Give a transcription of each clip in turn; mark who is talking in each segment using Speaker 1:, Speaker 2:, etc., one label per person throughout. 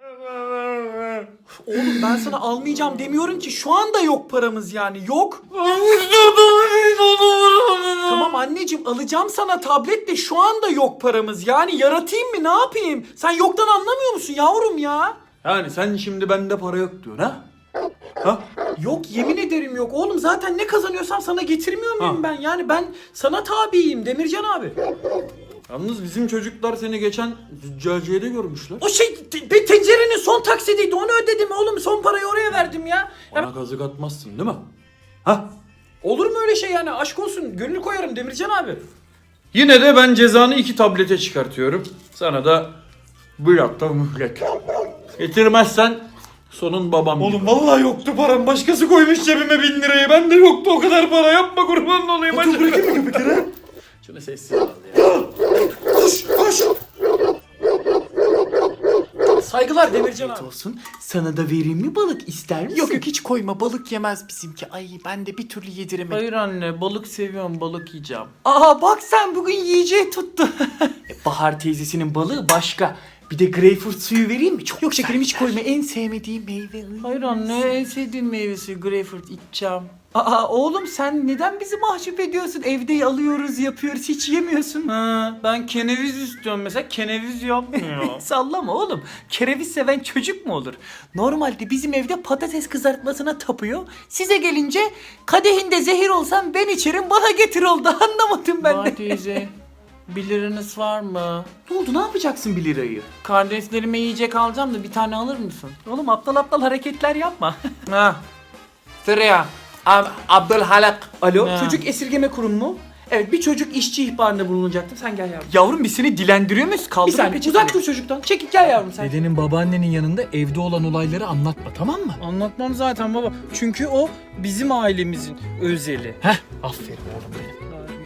Speaker 1: Oğlum ben sana almayacağım demiyorum ki, şu anda yok paramız yani, yok. Tamam anneciğim, alacağım sana tablet de şu anda yok paramız yani, yaratayım mı ne yapayım? Sen yoktan anlamıyor musun yavrum ya?
Speaker 2: Yani sen şimdi bende para yok diyorsun ha? Ha?
Speaker 1: Yok, yemin ederim yok oğlum, zaten ne kazanıyorsam sana getirmiyor muyum ben? Yani ben sana tabiyim Demircan abi.
Speaker 2: Yalnız bizim çocuklar seni geçen züccaciyede görmüşler.
Speaker 1: O tencerenin son taksidiydi, onu ödedim oğlum, son parayı oraya verdim ya.
Speaker 2: Bana kazık atmazsın değil mi? Ha?
Speaker 1: Olur mu öyle şey yani, aşk olsun, gönül koyarım Demircan abi.
Speaker 2: Yine de ben cezanı 2 tablete çıkartıyorum. Sana da bir hafta mühlet. Getirmezsen sonun babam.
Speaker 3: Oğlum vallahi yoktu param. Başkası koymuş cebime 1000 lirayı. Bende yoktu o kadar para. Yapma, kurban olayım. Hadi bırakayım mı bir kere?
Speaker 2: Şunu sessiz al ya.
Speaker 3: Koş koş.
Speaker 1: Saygılar Demircan abi.
Speaker 4: Olsun. Sana da vereyim mi balık, ister misin?
Speaker 1: Yok hiç koyma, balık yemez bizimki. Ay ben de bir türlü yediremedim.
Speaker 2: Hayır anne, balık seviyorum, balık yiyeceğim.
Speaker 1: Aa bak sen bugün yiyeceği tuttu.
Speaker 4: Bahar teyzesinin balığı başka. Bir de greyfurt suyu vereyim mi? Çok
Speaker 1: Yok şekerim, hiç
Speaker 4: sert.
Speaker 1: koyma, en sevmediğim meyve.
Speaker 2: Hayır anne, en sevdiğin meyvesi greyfurt, içeceğim.
Speaker 1: Aa oğlum sen neden bizi mahcup ediyorsun? Evde alıyoruz, yapıyoruz, hiç yemiyorsun.
Speaker 2: Ha, ben keneviz istiyorum mesela, keneviz yapmıyor.
Speaker 1: Sallama oğlum. Kereviz seven çocuk mu olur? Normalde bizim evde patates kızartmasına tapıyor. Size gelince kadehinde zehir olsam ben içerim, bana getir oldu. Anlamadım ben de.
Speaker 2: Bahar teyze, 1 liranız var mı?
Speaker 1: Ne oldu, ne yapacaksın 1 lirayı?
Speaker 2: Kardeşlerime yiyecek alacağım da bir tane alır mısın?
Speaker 1: Oğlum aptal aptal hareketler yapma.
Speaker 2: Ha. Sıraya. Abdülhalak.
Speaker 1: Alo,
Speaker 2: Ha.
Speaker 1: çocuk esirgeme kurumu mu? Evet, bir çocuk işçi ihbarında bulunacaktım. Sen gel yavrum. Yavrum biz seni dilendiriyor muyuz? Kaldır
Speaker 4: Bir saniye,
Speaker 1: uzak dur çocuktan. Çekil gel yavrum sen.
Speaker 4: Dedenin babaannenin yanında evde olan olayları anlatma, tamam mı?
Speaker 2: Anlatmam zaten baba. Çünkü o bizim ailemizin özeli.
Speaker 4: Heh, aferin oğlum benim.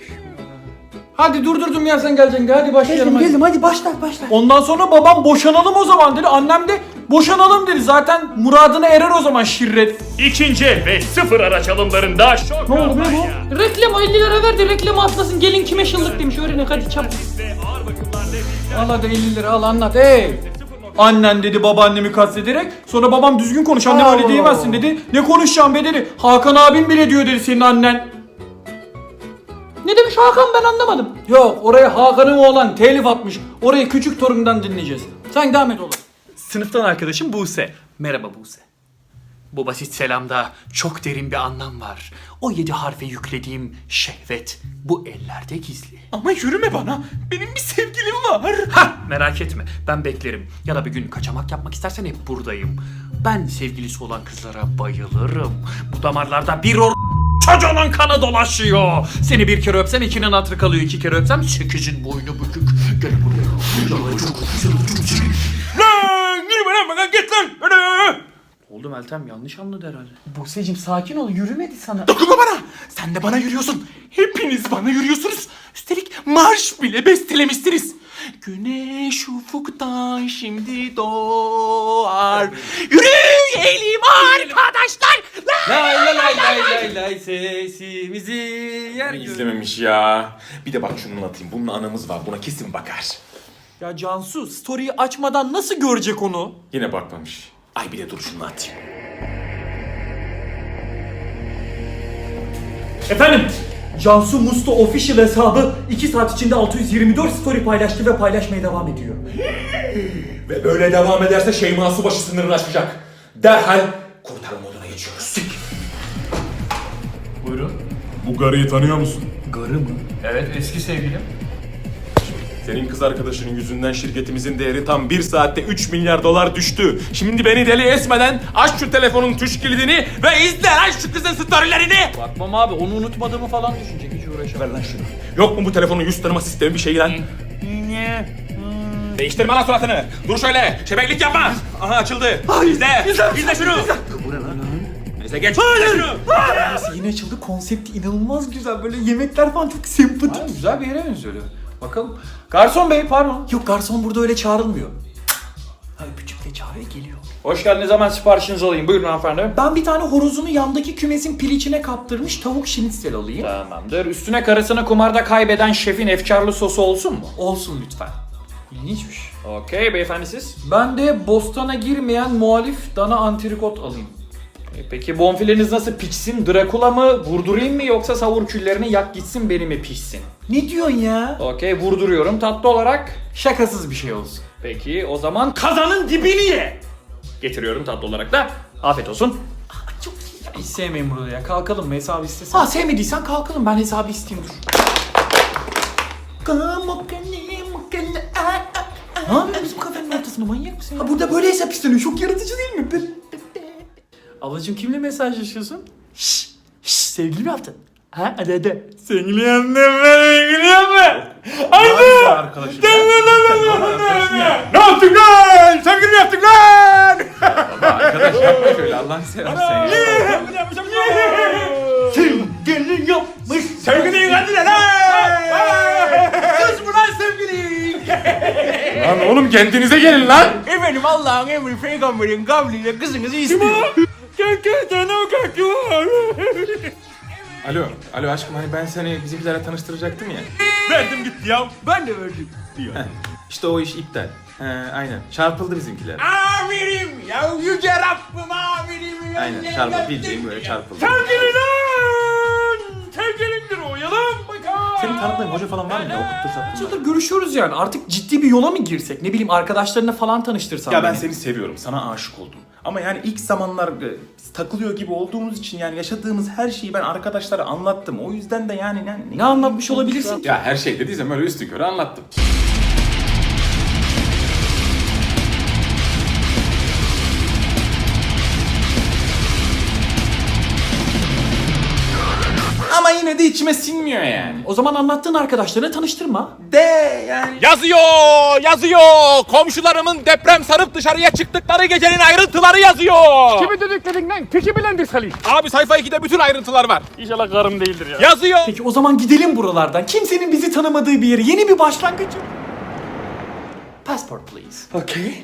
Speaker 2: Hadi durdurdum ya, sen geleceksin. Hadi başlayalım. hadi.
Speaker 1: hadi başla.
Speaker 2: Ondan sonra babam boşanalım o zaman dedi. Annem de boşanalım dedi. Zaten muradına erer o zaman şirret.
Speaker 3: İkinci el ve sıfır araç alımlarında şok.
Speaker 2: Ne oldu be bu?
Speaker 1: Reklam 50 lira verdi, reklamı atlasın, gelin kime şıllık demiş, öğrenin hadi çabuk.
Speaker 2: Al hadi 50 lira al, anlat. Hey! Annen dedi babaannemi kastederek. Sonra babam düzgün konuş, annem öyle diyemezsin dedi. Ne konuşacağım be dedi. Hakan abim bile diyor dedi senin annen.
Speaker 1: Ne demiş Hakan, ben anlamadım.
Speaker 2: Yok, oraya Hakan'ın oğlan telif atmış. Orayı küçük torundan dinleyeceğiz. Sen devam et oğlum.
Speaker 4: Sınıftan arkadaşım Buse. Merhaba Buse. Bu basit selamda çok derin bir anlam var. O 7 harfe yüklediğim şehvet bu ellerde gizli.
Speaker 1: Ama yürüme bana, benim bir sevgilim var.
Speaker 4: Ha, merak etme, ben beklerim. Ya da bir gün kaçamak yapmak istersen hep buradayım. Ben sevgilisi olan kızlara bayılırım. Bu damarlarda bir çocuğunun kanı dolaşıyor. Seni bir kere öpsem 2'nin hatırı kalıyor. 2 kere öpsem 8'in boynu bükük. Gel buraya.
Speaker 2: Lan yürüme lan bana, git lan. Hadi. Oldu Meltem, yanlış anladı herhalde.
Speaker 1: Buse'cim sakin ol, yürümedi sana.
Speaker 3: Dokunma bana. Sen de bana yürüyorsun. Hepiniz bana yürüyorsunuz. Üstelik marş bile bestelemişsiniz. Güneş ufuktan şimdi doğar. Yürüyelim arkadaşlar.
Speaker 2: Lay lay lay lay lay lay sesimizi yer gök.
Speaker 3: İzlememiş ya. Bir de bak şunu atayım. Bunun anamız var. Buna kesin bakar.
Speaker 1: Ya Cansu, story'i açmadan nasıl görecek onu?
Speaker 3: Yine bakmamış. Ay bir de dur şunu atayım.
Speaker 1: Efendim, Cansu Musto Official hesabı 2 saat içinde 624 story paylaştı ve paylaşmaya devam ediyor.
Speaker 3: Ve böyle devam ederse Şeyma Subaşı sınırını aşacak. Derhal kurtarma moduna geçiyoruz.
Speaker 2: Buyurun.
Speaker 3: Bu garıyı tanıyor musun?
Speaker 4: Garı mı?
Speaker 2: Evet, eski sevgilim.
Speaker 3: Senin kız arkadaşının yüzünden şirketimizin değeri tam 1 saatte 3 milyar dolar düştü. Şimdi beni deli etmeden aç şu telefonun tuş kilidini ve izle lan şu kızın storylerini.
Speaker 2: Bakmam abi, onu unutmadığımı falan düşünecek, hiç uğraşamam.
Speaker 3: Ver lan şunu. Yok mu bu telefonun yüz tanıma sistemi bir şey lan? Değiştirme lan suratını. Dur şöyle. Şebeklik yapma. Aha açıldı. İzle. İzle şunu. Neyse geç. İzle şunu.
Speaker 1: Yine açıldı, konsepti inanılmaz güzel, böyle yemekler falan çok sempatik.
Speaker 2: Ha, güzel bir yere benziyor. Bakalım. Garson bey, pardon.
Speaker 1: Yok, garson burada öyle çağrılmıyor. Ha, öpücükle çağırıyor, geliyor.
Speaker 2: Hoş geldiniz, hemen siparişinizi alayım. Buyurun hanımefendi.
Speaker 1: Ben bir tane horozunu yandaki kümesin piliçine kaptırmış tavuk şinitsel alayım.
Speaker 2: Tamamdır. Üstüne karısını kumarda kaybeden şefin efkarlı sosu olsun mu?
Speaker 1: Olsun lütfen.
Speaker 2: İlginçmiş.
Speaker 4: Okey beyefendi siz?
Speaker 2: Ben de bostana girmeyen muhalif dana antrikot alayım.
Speaker 4: Peki bonfileniz nasıl pişsin? Drakula mı? Vurdurayım mı yoksa savur küllerini yak gitsin beni mi pişsin?
Speaker 2: Ne diyorsun ya?
Speaker 4: Okey vurduruyorum tatlı olarak.
Speaker 2: Şakasız bir şey olsun.
Speaker 4: Peki o zaman kazanın dibini ye. Getiriyorum tatlı olarak da. Afiyet olsun.
Speaker 2: Hiç sevmeyin burada ya. Kalkalım mı hesabı istesen? Ha sevmediysen kalkalım, ben hesabı isteyeyim dur. Ne yapıyorsun bizim kafenin ortasında, manyak mısın ya? Ha burada böyle hesap isteniyor, çok yaratıcı değil mi? Ablacığım kimle mesajlaşıyorsun? Şşş sevgili mi yaptın? Ha hadi. Sevgili yaptım ben, sevgili yapma. Hadi.
Speaker 3: Arkadaşım.
Speaker 2: Ne yaptık lan? Sevgili mi yaptık lan?
Speaker 3: Arkadaş yapma şöyle Allah'ını seversen ya.
Speaker 2: Sevgili yapmış. Sevgili hadi lan. Sus mu lan sevgili?
Speaker 3: Lan oğlum kendinize gelin lan.
Speaker 2: Efendim Allah'ın emri peygamberin kavliyle kızınızı istiyor.
Speaker 3: Alo aşkım hani ben seni bizimkilerle tanıştıracaktım ya.
Speaker 2: Verdim gitti ya. Ben de verdim.
Speaker 3: İşte o iş iptal. Aynen çarpıldı bizimkiler.
Speaker 2: Amirim ya yüce Rabbim amirim.
Speaker 3: Aynen çarpıldı bildiğin böyle çarpıldı.
Speaker 2: Sevgili lan. Sevgilindir o yalan bakar.
Speaker 3: Senin tanıdığın hoca falan var mı ya okuttur sattın?
Speaker 2: Yıldır görüşüyoruz yani, artık ciddi bir yola mı girsek? Ne bileyim arkadaşlarına falan tanıştırsan
Speaker 3: Ya ben
Speaker 2: beni.
Speaker 3: seni seviyorum sana aşık oldum. Ama yani ilk zamanlar takılıyor gibi olduğumuz için yani yaşadığımız her şeyi ben arkadaşlara anlattım. O yüzden de yani
Speaker 2: Ne anlatmış olabilirsin ki?
Speaker 3: Ya her şey dediysem öyle üstünkörü anlattım. Ama yine de içime sinmiyor yani.
Speaker 2: O zaman anlattığın arkadaşlarına tanıştırma.
Speaker 3: De yani.
Speaker 5: Yazıyor. Komşularımın deprem sarıp dışarıya çıktıkları gecenin ayrıntıları yazıyor.
Speaker 6: Kimi dediklerin lan? Teki bilendir Salih.
Speaker 5: Abi sayfa 2'de bütün ayrıntılar var.
Speaker 6: İnşallah karım değildir ya.
Speaker 5: Yazıyor.
Speaker 2: Peki o zaman gidelim buralardan. Kimsenin bizi tanımadığı bir yere. Yeni bir başlangıç. Passport please.
Speaker 3: Okay.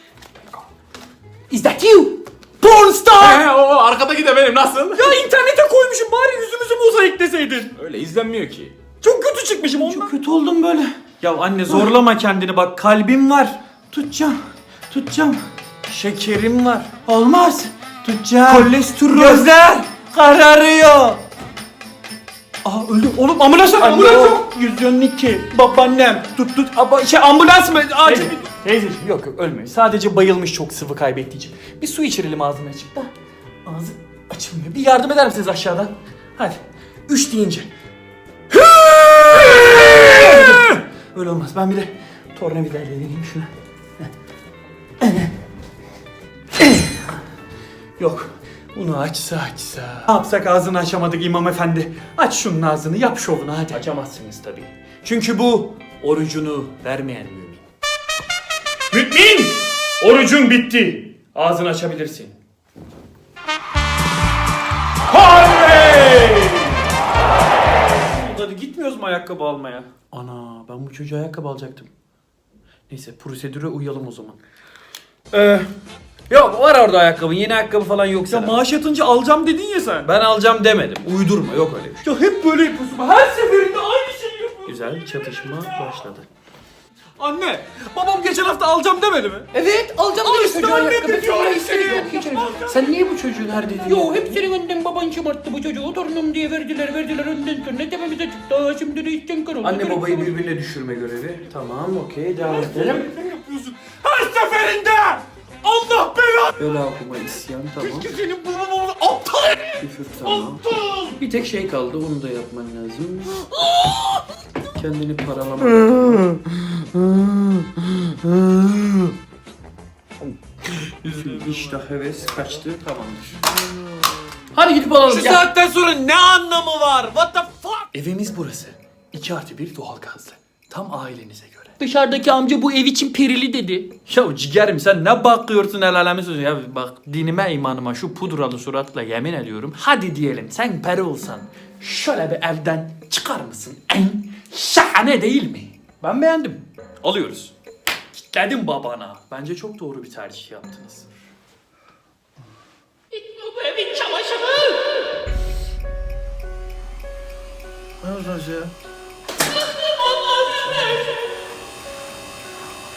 Speaker 2: Is that you? Porn star!
Speaker 3: O arkadaki de benim nasıl?
Speaker 2: Ya internete koymuşum, bari yüzümüzü mozaikleseydin.
Speaker 3: Öyle izlenmiyor ki.
Speaker 2: Çok kötü çıkmışım ondan. Çok kötü oldum böyle. Ya anne zorlama kendini, bak kalbim var. Tutacağım. Şekerim var. Olmaz. Tutacağım. Kolesterol. Gözler kararıyor. Aha öldüm. Oğlum ambulans yok. 112. Babaannem. Tut. Ambulans mı? Acil. Teyzeciğim yok ölmüyor. Sadece bayılmış, çok sıvı kaybettiği için. Bir su içirelim ağzını açıp da. Ağzı açılmıyor. Bir yardım eder misiniz aşağıdan? Hadi. 3 deyince. Öyle olmaz. Ben bir de tornavidayla deneyeyim şunu. Yok. Bunu açsa. Ne yapsak, ağzını açamadık imam efendi. Aç şunun ağzını, yap şovunu hadi. Açamazsınız tabii. Çünkü bu orucunu vermeyen mümin. Mümin! Orucun bitti. Ağzını açabilirsin. Oley! Hadi gitmiyoruz mu ayakkabı almaya? Ana ben bu çocuğa ayakkabı alacaktım. Neyse prosedüre uyalım o zaman.
Speaker 7: Yok var orada ayakkabın, yeni ayakkabı falan yoksa.
Speaker 2: Ya maaş yatınca alacağım dedin ya sen.
Speaker 7: Ben alacağım demedim. Uydurma, yok öyle bir şey.
Speaker 2: Ya hep böyle yapıyorsun. Her seferinde aynı şeyi yapıyorsun.
Speaker 7: Güzel çatışma başladı.
Speaker 2: Anne, babam geçen hafta alacağım demedi mi?
Speaker 7: Evet alacağım
Speaker 2: Al işte anne dedi.
Speaker 7: Sen niye bu çocuğun her dediğini
Speaker 6: Yo hep senin önden baban şımarttı bu çocuğu. Torunum diye verdiler önden sonra tepemize çıktı. Şimdi de işten kar oldu.
Speaker 7: Anne babayı birbirine düşürme görevi. Tamam okey devam edelim.
Speaker 2: Her seferinde! Allah belanı!
Speaker 7: Öyle okuma isyan tamam.
Speaker 2: Senin babam oldu aptal!
Speaker 7: Küfür tamam. Bir tek şey kaldı onu da yapman lazım. Kendini paralama. İştah heves kaçtı tamamdır. Hadi gidip alalım. Gel.
Speaker 5: Saatten sonra ne anlamı var? What the fuck?
Speaker 2: Evimiz burası. 2+1 doğalgazlı. Tam ailenize göre.
Speaker 6: Dışarıdaki amca bu ev için perili dedi.
Speaker 2: Ya ciğerim sen ne bakıyorsun el alemi sözü ya, bak dinime imanıma şu pudralı suratla yemin ediyorum. Hadi diyelim sen peri olsan şöyle bir evden çıkar mısın? Şahane değil mi? Ben beğendim. Alıyoruz. Kitledim babana. Bence çok doğru bir tercih yaptınız.
Speaker 6: Bu evin çamaşırı.
Speaker 2: Ne olacak ya?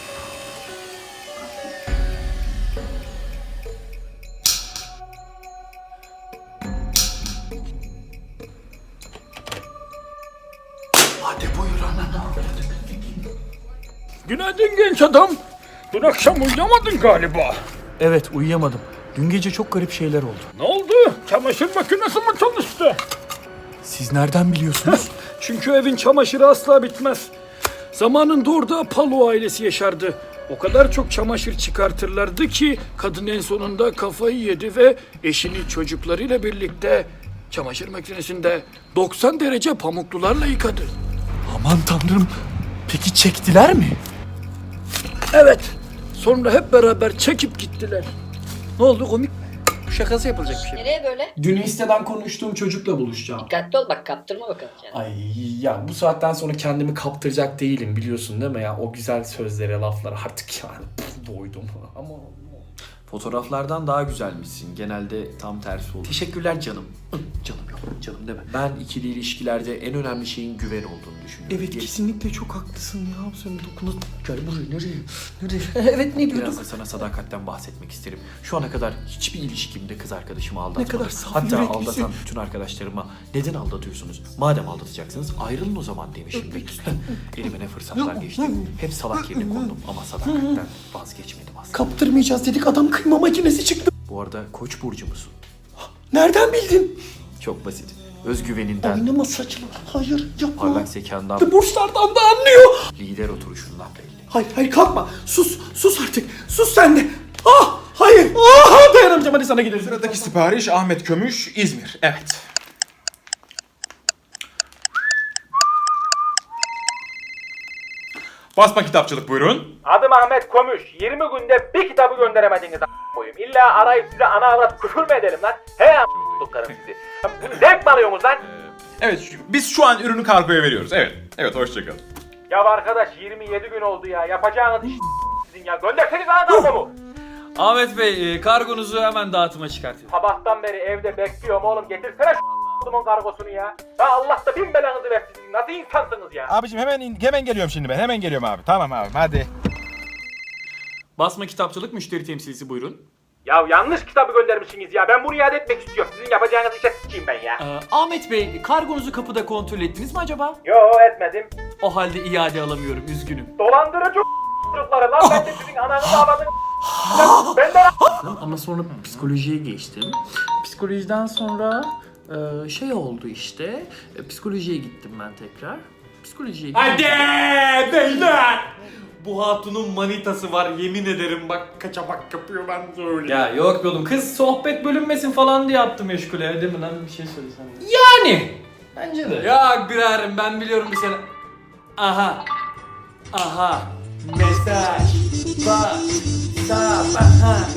Speaker 6: Günaydın genç adam. Dün akşam uyuyamadın galiba.
Speaker 2: Evet uyuyamadım. Dün gece çok garip şeyler oldu.
Speaker 6: Ne oldu? Çamaşır makinesi mi çalıştı?
Speaker 2: Siz nereden biliyorsunuz?
Speaker 6: Çünkü evin çamaşırı asla bitmez. Zamanında orada Palo ailesi yaşardı. O kadar çok çamaşır çıkartırlardı ki kadın en sonunda kafayı yedi ve eşini çocuklarıyla birlikte çamaşır makinesinde 90 derece pamuklularla yıkadı.
Speaker 2: Aman tanrım. Peki çektiler mi?
Speaker 6: Evet. Sonra hep beraber çekip gittiler. Ne oldu, komik mi? Şakası yapılacak bir şey.
Speaker 8: Nereye böyle?
Speaker 2: Dün Insta'dan konuştuğum çocukla buluşacağım.
Speaker 8: Dikkatli ol bak, kaptırma bakalım kendini.
Speaker 2: Ay ya bu saatten sonra kendimi kaptıracak değilim biliyorsun değil mi ya? O güzel sözlere, laflara artık yani doydum. Ama fotoğraflardan daha güzelmişsin. Genelde tam tersi olur. Teşekkürler canım. Canım yok. Canım deme. Ben ikili ilişkilerde en önemli şeyin güven olduğunu düşünüyorum. Evet kesinlikle çok haklısın ya. Sen dokuna... Gel buraya nereye? Nereye? Evet ne diyorduk? Biraz da sana sadakatten bahsetmek isterim. Şu ana kadar hiçbir ilişkimde kız arkadaşımı aldatmadım. Ne kadar saf Hatta aldatan bütün arkadaşlarıma neden aldatıyorsunuz? Madem aldatacaksınız ayrılın o zaman demişim. Elime ne fırsatlar geçti. Hep salak yerine kondum ama sadakatten vazgeçmedim aslında.
Speaker 1: Kaptırmayacağız dedik, adam kıyma makinesi çıktı.
Speaker 2: Bu arada Koç burcu musun?
Speaker 1: Nereden bildin?
Speaker 2: Çok basit. Özgüveninden,
Speaker 1: Oynama saçma. Hayır yapma.
Speaker 2: parlak zekandan,
Speaker 1: Burçlardan da anlıyor.
Speaker 2: lider oturuşundan belli.
Speaker 1: Hayır kalkma. Sus artık. Sus sen de. Ah hayır. Ah dayanamayacağım, hadi sana gidelim.
Speaker 3: Sıradaki sipariş Ahmet Kömüş, İzmir. Evet. Basma kitapçılık buyurun.
Speaker 5: Adım Ahmet Komüş. 20 günde bir kitabı gönderemediniz koyayım. İlla arayıp size ana avrat küfür mü edelim lan? He a**lıklarım sizi. Bunu zevk mi alıyorsunuz lan?
Speaker 3: Evet, biz şu an ürünü kargoya veriyoruz. Evet, hoşçakalın.
Speaker 5: Ya arkadaş 27 gün oldu ya. Yapacağınız iş sizin ya. Gönderseniz ana kargomu.
Speaker 7: Ahmet Bey kargonuzu hemen dağıtıma çıkartıyorum.
Speaker 5: Sabahtan beri evde bekliyorum oğlum. Getirsene şu kargosunu ya. Ya Allah da bin belanızı versin. Siz nasıl insansınız ya?
Speaker 3: Abicim hemen geliyorum şimdi ben. Hemen geliyorum abi. Tamam abi hadi.
Speaker 2: Basma kitapçılık müşteri temsilcisi buyurun.
Speaker 5: Ya yanlış kitabı göndermişsiniz ya. Ben bunu iade etmek istiyorum. Sizin yapacağınız işe s**eyim ben ya.
Speaker 2: Ahmet Bey kargonuzu kapıda kontrol ettiniz mi acaba?
Speaker 5: Yo etmedim.
Speaker 2: O halde iade alamıyorum üzgünüm.
Speaker 5: Dolandırıcı çocukları lan. Ben de sizin ananızı ağladın. Ben de
Speaker 7: Ama sonra psikolojiye geçtim. Psikolojiden sonra şey oldu işte. Psikolojiye gittim ben tekrar. Psikolojiye gittim.
Speaker 2: Hadi beyler! Bu hatunun manitası var yemin ederim bak kaçamak yapıyor ben söyleyeyim.
Speaker 7: Ya yok be oğlum, kız sohbet bölünmesin falan diye yaptı meşgule. Değil mi lan, bir şey söylesene.
Speaker 2: Yani.
Speaker 7: Bence de.
Speaker 2: Ya biraderim ben biliyorum bir sene. Aha. Mesaj. WhatsApp.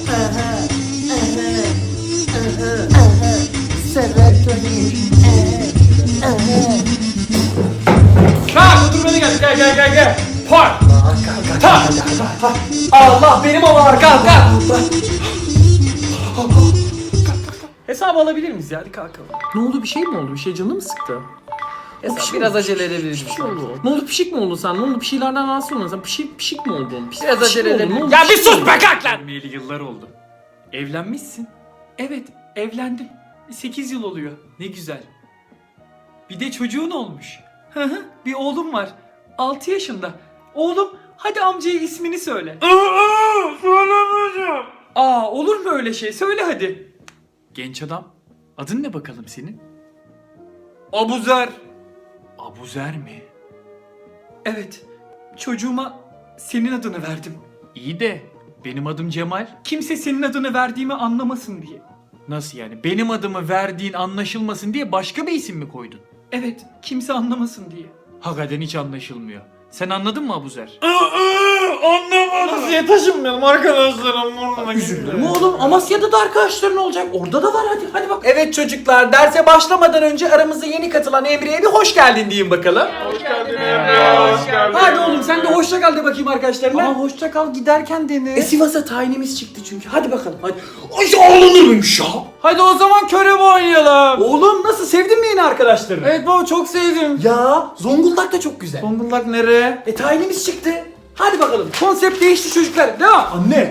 Speaker 2: Kalk otur beni gel. Park. Allah benim oğlan kalk.
Speaker 7: Hesabı alabilir miyiz ya? Hadi kalkalım. Ne oldu, bir şey mi oldu? Bir şey canı mı sıktı? Biraz acele edebiliriz. Ne oldu, pişik mi oldun sen? Ne oldu, bir şeylerden rahatsız oldun sen? Pişik mi oldun? Biraz acele edebiliriz.
Speaker 2: Ya bir sus be kalk lan. Evlenmeyeli yıllar oldu. Evlenmişsin. Evet evlendim. 8 yıl oluyor. Ne güzel. Bir de çocuğun olmuş. Bir oğlum var. 6 yaşında. Oğlum hadi amcaya ismini söyle. Söylemeyeceğim. Olur mu öyle şey? Söyle hadi. Genç adam. Adın ne bakalım senin? Abuzer. Abuzer mi? Evet. Çocuğuma senin adını verdim. İyi de benim adım Cemal. Kimse senin adını verdiğimi anlamasın diye. Nasıl yani? Benim adımı verdiğin anlaşılmasın diye başka bir isim mi koydun? Evet. Kimse anlamasın diye. Hakikaten hiç anlaşılmıyor. Sen anladın mı Abuzer? Anlamadım. Size taşınmayalım arkadaşlarım.
Speaker 1: Üzülürüm oğlum. Amasya'da da arkadaşların olacak. Orada da var, hadi bak. Evet çocuklar, derse başlamadan önce aramıza yeni katılan Emre'ye bir hoş geldin diyeyim bakalım.
Speaker 5: hoş geldin Emre. Hoş geldin.
Speaker 1: Hadi oğlum sen de hoşça kal de bakayım arkadaşlarına. Ama hoşça kal giderken dene. Sivas'a tayinimiz çıktı çünkü. Hadi bakalım hadi. Ay ağlanır mıymış ya?
Speaker 2: Hadi o zaman körev oynayalım.
Speaker 1: Oğlum nasıl, sevdin mi yeni arkadaşlarını?
Speaker 2: Evet baba çok sevdim.
Speaker 1: Ya Zonguldak da çok güzel.
Speaker 2: Zonguldak nereye?
Speaker 1: Tayinimiz çıktı. Hadi bakalım. Konsept değişti çocuklar. Devam. Anne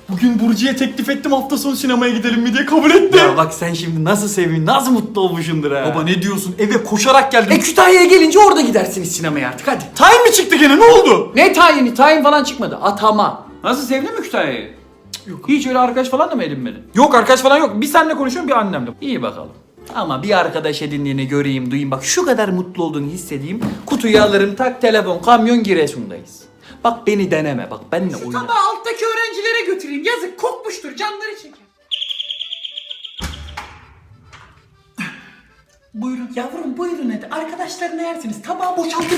Speaker 2: Bugün Burcu'ya teklif ettim hafta sonu sinemaya gidelim mi diye, kabul etti.
Speaker 1: Ya bak sen şimdi nasıl sevin, nasıl mutlu olmuşsundur ha.
Speaker 2: Baba ne diyorsun? Eve koşarak geldim.
Speaker 1: Kütahya'ya gelince orada gidersiniz sinemaya artık hadi.
Speaker 2: Tayin mi çıktı gene, ne oldu?
Speaker 1: Ne tayini? Tayin falan çıkmadı. Atama.
Speaker 2: Nasıl, sevdin mi Kütahya'yı? Yok. Hiç öyle arkadaş falan da mı edinmedin? Yok, arkadaş falan yok. Bir seninle konuşuyorum, bir annemle.
Speaker 1: İyi bakalım. Ama bir arkadaş edindiğini göreyim, duyayım. Bak şu kadar mutlu olduğunu hissedeyim. Kutuyu alırım, tak telefon, kamyon, Giresun'dayız. Bak beni deneme, bak benimle oyna.
Speaker 7: Tabağı alttaki öğrencilere götüreyim. Yazık kokmuştur, canları çeker.
Speaker 1: Buyurun yavrum, buyurun hadi. Arkadaşlarına yersiniz. Tabağı boşaltın.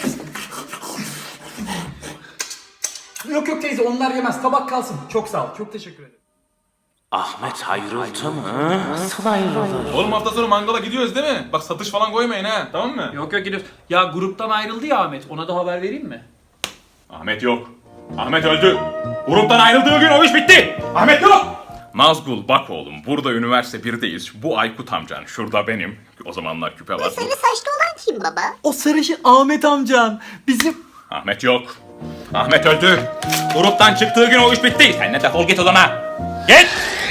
Speaker 7: Yok yok teyze, onlar yemez. Tabak kalsın. Çok sağ ol. Çok teşekkür ederim.
Speaker 9: Ahmet ayrıldı mı? Nasıl ayrıldı?
Speaker 3: Oğlum hafta sonu mangala gidiyoruz değil mi? Bak satış falan koymayın ha, tamam mı?
Speaker 7: Yok yok gidiyoruz. Ya gruptan ayrıldı ya Ahmet. Ona da haber vereyim mi?
Speaker 3: Ahmet yok. Ahmet öldü. Gruptan ayrıldığı gün o iş bitti. Ahmet yok. Nazgul bak oğlum, burada üniversite 1'deyiz. Bu Aykut amcan, şurada benim. O zamanlar küpe var.
Speaker 10: Sarı saçlı olan kim baba?
Speaker 1: O sarışın Ahmet amcan. Bizim...
Speaker 3: Ahmet yok. Ahmet öldü. Gruptan çıktığı gün o iş bitti. Sen de defol git odana. Git.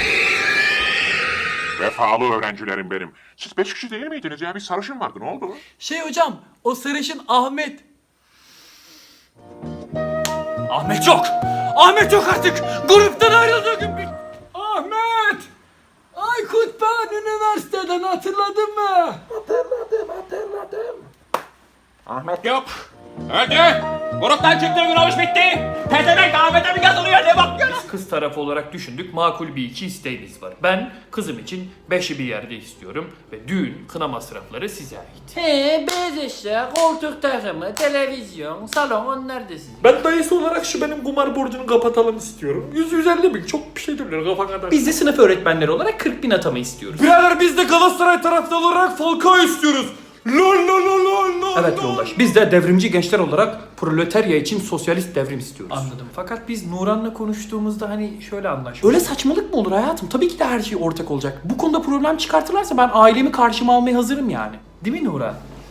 Speaker 11: Vefalı öğrencilerim benim. Siz 5 kişi değil miydiniz ya? Bir sarışın vardı, ne oldu?
Speaker 1: hocam, o sarışın Ahmet.
Speaker 2: Ahmet yok. Ahmet yok artık. Gruptan ayrıldığı gün bir... Ahmet!
Speaker 6: Aykut, ben üniversiteden hatırladın mı?
Speaker 3: Ahmet yok. Öldü. Gruptan çıktığı gün o iş bitti. Pezevenk Ahmet'e mi yazılıyor, ne bakıyorsun?
Speaker 7: Kız tarafı olarak düşündük. Makul bir iki isteğimiz var. Ben kızım için 5'i bir yerde istiyorum. Ve düğün, kına masrafları size ait.
Speaker 1: Beyaz eşya, koltuk takımı, televizyon, salon, onlar da sizin.
Speaker 6: Ben dayısı olarak şu benim kumar borcunu kapatalım istiyorum. 150 bin çok bir şey değil, kafa kadar.
Speaker 7: Biz de sınıf öğretmenleri olarak 40 bin atama istiyoruz.
Speaker 2: Birader biz de Galatasaray taraftarı olarak Falcao istiyoruz. Lol lol lol lol lol.
Speaker 7: Evet yoldaş. Biz de devrimci gençler olarak proletarya için sosyalist devrim istiyoruz.
Speaker 2: Anladım. Fakat biz Nuran'la konuştuğumuzda hani şöyle anlaştık.
Speaker 7: Öyle saçmalık mı olur hayatım? Tabii ki de her şey ortak olacak. Bu konuda problem çıkartırlarsa ben ailemi karşıma almaya hazırım yani.
Speaker 2: Değil mi Nuran?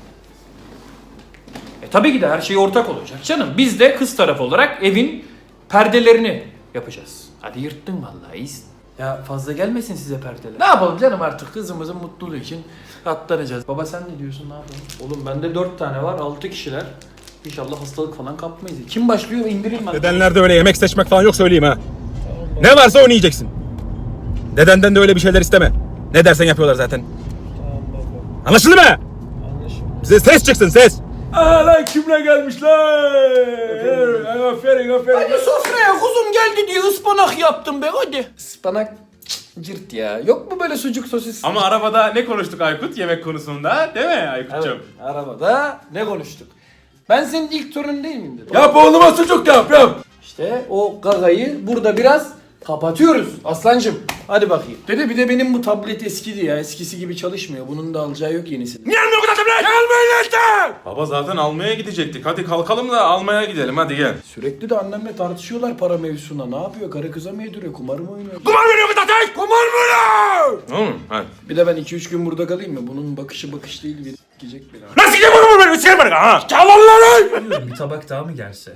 Speaker 7: Tabii ki de her şey ortak olacak canım. Biz de kız tarafı olarak evin perdelerini yapacağız. Hadi yırttın vallahi iyisin.
Speaker 2: Ya fazla gelmesin size perdeler.
Speaker 7: Ne yapalım canım, artık kızımızın mutluluğu için katlanacağız.
Speaker 2: Baba sen ne diyorsun, ne yapalım?
Speaker 7: Oğlum bende 4 tane var, 6 kişiler. İnşallah hastalık falan kapmayız. Kim başlıyor, indireyim ben.
Speaker 3: Dedenlerde öyle yemek seçmek falan yok, söyleyeyim ha. Ne varsa onu yiyeceksin. Dedenden de öyle bir şeyler isteme. Ne dersen yapıyorlar zaten. Anlaşıldı mı? Bize ses çıksın, ses.
Speaker 2: Aa lan kimle gelmişler? Aferin aferin.
Speaker 1: Hadi sofraya kuzum geldi diye ıspanak yaptım be hadi.
Speaker 7: Ispanak cırt ya. Yok mu böyle sucuk sosis?
Speaker 3: Ama arabada ne konuştuk Aykut yemek konusunda, değil mi Aykut'cum?
Speaker 7: Arabada ne konuştuk? Ben senin ilk torunun değil miyim dedim.
Speaker 2: Yap oğluma sucuk yap.
Speaker 7: İşte o gagayı burada biraz kapatıyoruz aslancım. Hadi bakayım.
Speaker 6: Dede bir de benim bu tablet eskidi ya. Eskisi gibi çalışmıyor. Bunun da alacağı yok yenisini.
Speaker 3: Baba zaten almaya gidecektik. Hadi kalkalım da almaya gidelim, hadi gel.
Speaker 6: Sürekli de annemle tartışıyorlar para mevzusuna. Ne yapıyor? Karı kıza mı yediriyor? Kumar mı oynuyor?
Speaker 3: Tamam hadi.
Speaker 6: Bir de ben 2-3 gün burada kalayım mı? Bunun bakışı bakış değil. Bir gidecek beni.
Speaker 3: Nasıl gideyim bunu böyle? Üstelik bana ha.
Speaker 2: Bir tabak daha mı gelse?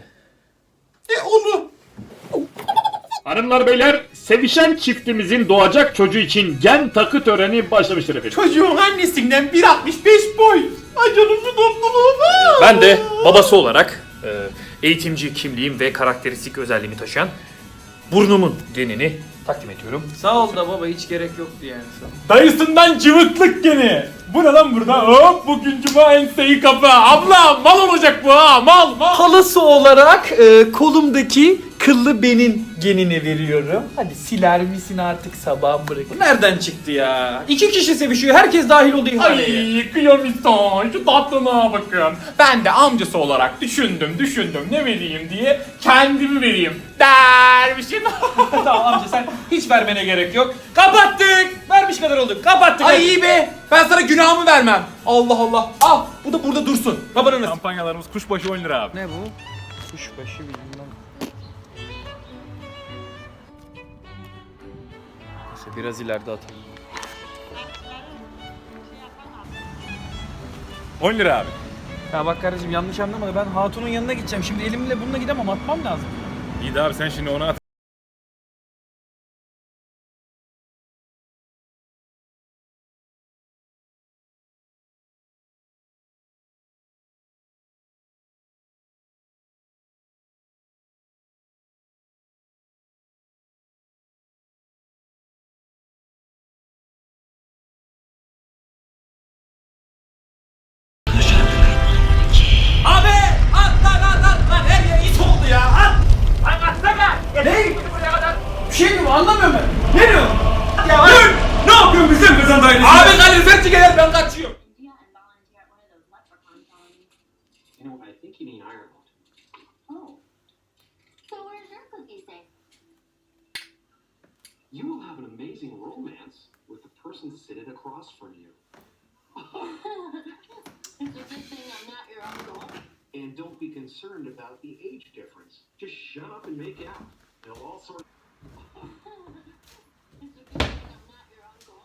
Speaker 11: Hanımlar beyler, sevişen çiftimizin doğacak çocuğu için gen takı töreni başlamıştır efendim.
Speaker 1: Çocuğun annesinden 1.65 boy. Ay canım şu tatlılığa.
Speaker 7: Ben de babası olarak eğitimci kimliğim ve karakteristik özelliğimi taşıyan burnumun genini takdim ediyorum.
Speaker 2: Sağ ol da baba, hiç gerek yoktu yani. Dayısından cıvıklık gene. Bu ne lan burada? Hop bugün cuma enseyi kapı. Abla mal olacak bu ha, mal.
Speaker 1: Halası olarak kolumdaki kıllı benin genini veriyorum. Hadi siler misin artık, sabah bırak.
Speaker 7: Bu nereden çıktı ya? 2 kişi sevişiyor, herkes dahil oldu ihaleye.
Speaker 3: Ay kıyamison, şu tatlına bakın. Ben de amcası olarak düşündüm ne vereyim diye kendimi vereyim dermişim.
Speaker 7: Tamam amca, sen hiç vermene gerek yok. Kapattık. Vermiş kadar olduk. Kapattık.
Speaker 3: Ay iyi be, ben sana günahımı vermem. Allah Allah, al bu da burada dursun. Babanın kampanyalarımız kuşbaşı 10 lira abi.
Speaker 2: Ne bu? Kuşbaşı bilmem. Neyse biraz ileride atalım.
Speaker 3: 10 lira abi.
Speaker 2: Ya bak kardeşim, yanlış anlama da ben hatunun yanına gideceğim. Şimdi elimle bununla gidemem, atmam lazım.
Speaker 3: İyi de abi sen şimdi ona at.
Speaker 2: Anlamıyorum ben. Ne diyorsun? Ya dur! Ne yapıyorsun bizim kızın dairesi? Abi Kadir sen çık gel ben kaçıyorum.
Speaker 10: You will have an amazing romance with the person sitting across from you. It's a good thing I'm not your uncle. And don't be concerned about the age difference. Just shut up and make out. It'll all sort of... It's a good thing I'm not your uncle.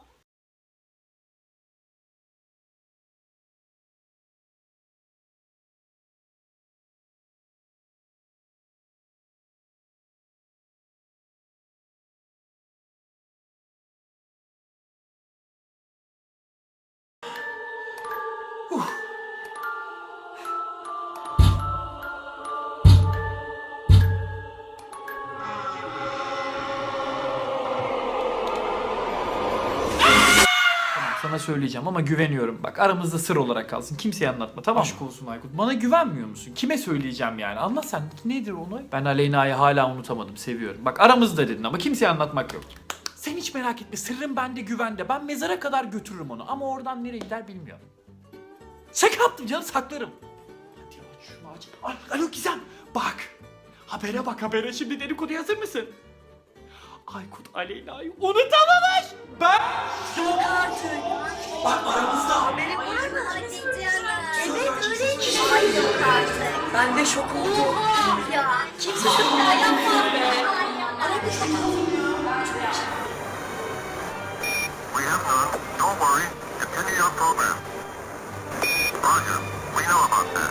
Speaker 2: Sana söyleyeceğim ama güveniyorum. Bak aramızda sır olarak kalsın. Kimseye anlatma tamam mı? Aşk olsun Aykut. Bana güvenmiyor musun? Kime söyleyeceğim yani? Anla sen. Nedir olay? Ben Aleyna'yı hala unutamadım. Seviyorum. Bak aramızda dedin ama kimseye anlatmak yok. Sen hiç merak etme. Sırrım bende güvende. Ben mezara kadar götürürüm onu. Ama oradan nereye gider bilmiyorum. Şaka yaptım canım saklarım. Hadi aç şunu aç. Alo Gizem. Bak. Habere bak habere. Şimdi dedikoduya hazır mısın? Aykut Aleyna'yı unutamamış. Ben... Yok artık. Bak aramızda.
Speaker 12: Benim var mı? Evet öyle ki. Ay yok artık. Ben de şok oldum. Ya kimse şok yapma be. Aramızda kalın.
Speaker 13: We have none. Don't worry. Continue your program. Roger. We know about that.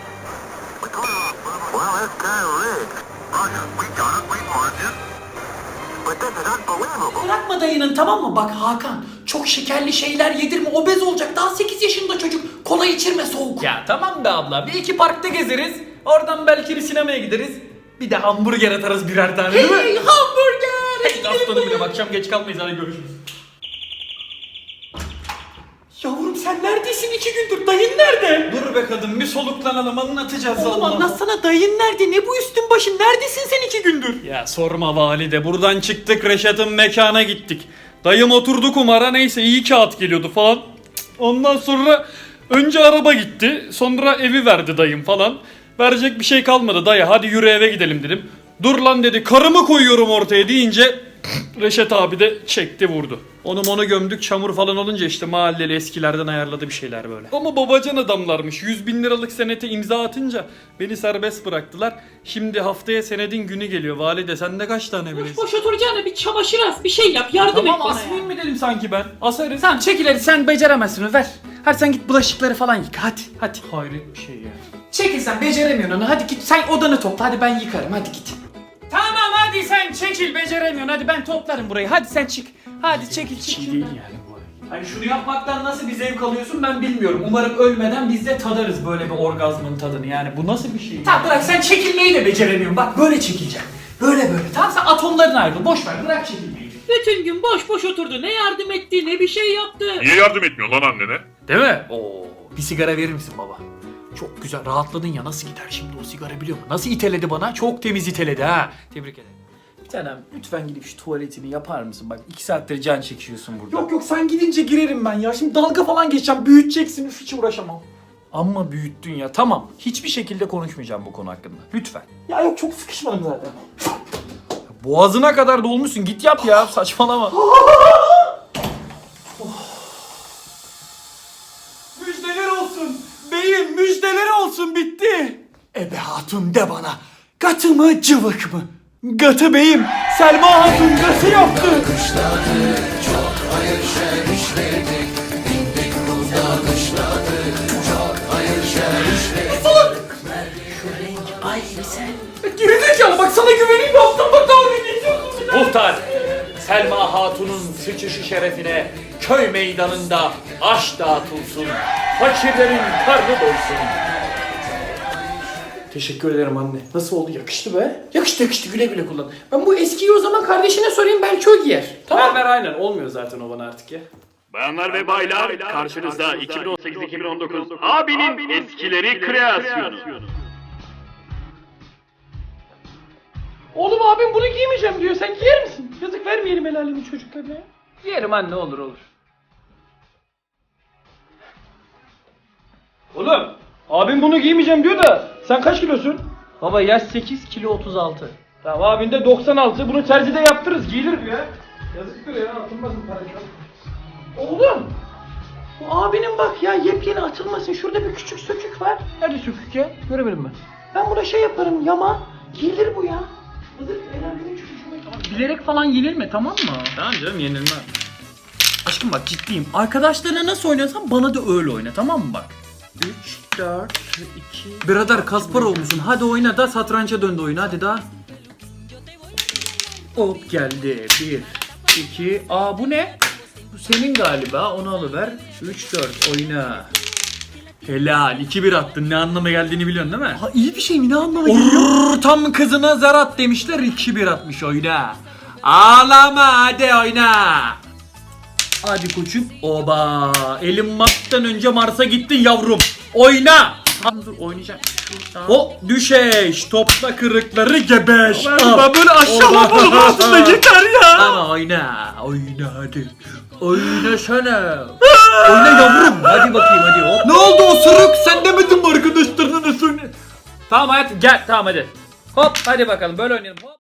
Speaker 13: Well, that's kind of rigged. Roger. We got it. We marked it. But this is unbelievable.
Speaker 1: Bırakma dayının tamam mı? Bak Hakan çok şekerli şeyler yedirme obez olacak. Daha 8 yaşında çocuk. Kola içirme soğuk.
Speaker 2: Ya tamam be abla. Bir iki parkta gezeriz. Oradan belki bir sinemaya gideriz. Bir de hamburger atarız birer tane değil mi?
Speaker 1: Hey hamburger.
Speaker 2: Hey aslanım benim. Akşam geç kalmayız. Hadi görüşürüz.
Speaker 1: Yavrum sen neredesin 2 gündür? Dayın nerede?
Speaker 2: Dur be kadın bir soluklanalım anlatacağız.
Speaker 1: Oğlum
Speaker 2: Allah.
Speaker 1: anlatsana dayın nerede? Ne bu üstün başın? Neredesin sen 2 gündür?
Speaker 2: Ya sorma valide. Buradan çıktık Reşat'ın mekana gittik. Dayım oturdu kumara neyse iyi kağıt geliyordu falan. Ondan sonra önce araba gitti. Sonra evi verdi dayım falan. Verecek bir şey kalmadı dayı hadi yürü eve gidelim dedim. Dur lan dedi karımı koyuyorum ortaya deyince Reşat abi de çekti vurdu. Onu gömdük çamur falan olunca işte mahalleli eskilerden ayarladı bir şeyler böyle. Ama babacan adamlarmış 100.000 liralık senete imza atınca beni serbest bıraktılar. Şimdi haftaya senedin günü geliyor valide sende kaç tane bilesin?
Speaker 7: Boş oturacağına bir çamaşır as bir şey yap yardım et
Speaker 2: Tamam
Speaker 7: bana
Speaker 2: asmayayım
Speaker 7: ya.
Speaker 2: mı dedim sanki ben? Asarız.
Speaker 7: Tamam çekil hadi sen beceremezsin onu ver. Hadi sen git bulaşıkları falan yıka hadi.
Speaker 2: Hayret bir şey ya.
Speaker 7: Çekil sen beceremiyorsun onu hadi git sen odanı topla hadi ben yıkarım hadi git. Tamam hadi sen çekil beceremiyorsun hadi ben toplarım burayı hadi sen çık. Hadi çekil çık şuradan.
Speaker 2: Hani şunu yapmaktan nasıl bir zevk alıyorsun ben bilmiyorum. Umarım ölmeden biz de tadarız böyle bir orgazmın tadını. Yani bu nasıl bir şey?
Speaker 1: Tamam bırak sen çekilmeyi de beceremiyorsun. Bak böyle çekileceğim. Böyle.
Speaker 7: Tamam sen atomların ayrıl boş ver bırak çekilmeyi. Bütün gün boş boş oturdu ne yardım etti ne bir şey yaptı.
Speaker 3: Niye yardım etmiyor lan annene?
Speaker 2: Değil mi? Oo, bir sigara verir misin baba? Çok güzel rahatladın ya nasıl gider şimdi o sigara biliyor musun? Nasıl iteledi bana? Çok temiz iteledi ha. Tebrik ederim. Bir tanem lütfen gidip şu tuvaletini yapar mısın? Bak 2 saattir can çekiyorsun burada.
Speaker 6: Yok sen gidince girerim ben ya. Şimdi dalga falan geçeceğim. Büyüteceksin. Üf hiç uğraşamam.
Speaker 2: Amma büyüttün ya. Tamam. Hiçbir şekilde konuşmayacağım bu konu hakkında. Lütfen.
Speaker 6: Ya yok çok sıkışmadım zaten.
Speaker 2: Boğazına kadar dolmuşsun. Git yap ya. Saçmalama.
Speaker 1: Müjdeler olsun. Beyim müjdeler olsun bitti. Ebe hatun de bana. Gatı mı cıvık mı? Gatı beyim. Selma hatun gatı yaptı.
Speaker 2: Gerizekalı bak sana güveneyim yaptım bak dalga geçiyorsun. Muhtar, Selma Hatun'un sıçışı şerefine köy meydanında aş dağıtılsın. Fakirlerin karnı doysun.
Speaker 6: Teşekkür ederim anne. Nasıl oldu? Yakıştı be. Yakıştı güle güle kullan. Ben bu eskiyi o zaman kardeşine sorayım belki o giyer. Tamam.
Speaker 2: Ver aynen olmuyor zaten o bana artık ya.
Speaker 11: Bayanlar ve baylar karşınızda 2018-2019 abinin eskileri kreasyonu.
Speaker 6: Oğlum abim bunu giymeyeceğim diyor. Sen giyer misin? Yazık vermeyelim el alemin çocuklarına ya.
Speaker 7: Yerim anne olur olur.
Speaker 6: Oğlum abim bunu giymeyeceğim diyor da sen kaç kilosun?
Speaker 7: Baba yaş 8 kilo 36.
Speaker 6: Tamam abin de 96. Bunu terzide yaptırırız. Giyilir bu ya. Yazıktır ya. Atılmasın para çok. Oğlum. Bu abinin bak ya yepyeni atılmasın. Şurada bir küçük sökük var. Nerede sökük ya? Göremedim ben. Ben buna şey yaparım yama. Giyilir bu ya. Hazır el çocuğuma.
Speaker 7: Bilerek falan yenilme tamam mı?
Speaker 2: Tamam canım yenilmez.
Speaker 7: Aşkım bak ciddiyim. Arkadaşlarına nasıl oynuyorsan bana da öyle oyna tamam mı bak? 3, 4, 2... Birader Kasparov musun? Hadi oyna da satranca döndü oyun hadi daha. Hop geldi. 1, 2... Aa bu ne? Bu senin galiba. Onu alıver. 3, 4 oyna. Helal. 2-1 attın. Ne anlama geldiğini biliyorsun değil mi?
Speaker 1: Ha iyi bir şey mi? Ne anlama geliyor?
Speaker 7: Tam kızına zar at demişler. 2-1 atmış oyna. Ağlama hadi oyna. Hadi koçum. Oba. Elin Musk'tan önce Mars'a gittin yavrum. Oyna. Tamam dur oynayacağım. O düşeş. Topla kırıkları gebeş.
Speaker 2: Ben böyle aşağılamadım aslında yeter ya.
Speaker 7: Ama oyna. Oyna hadi. Oyna sana. Oyna yavrum. Hadi bakayım hadi. Hop.
Speaker 2: Ne oldu osuruk? Sen demedin mi arkadaşlarına da söyle?
Speaker 7: Tamam hayatım gel. Tamam hadi. Hop hadi bakalım böyle oynayalım. Hop.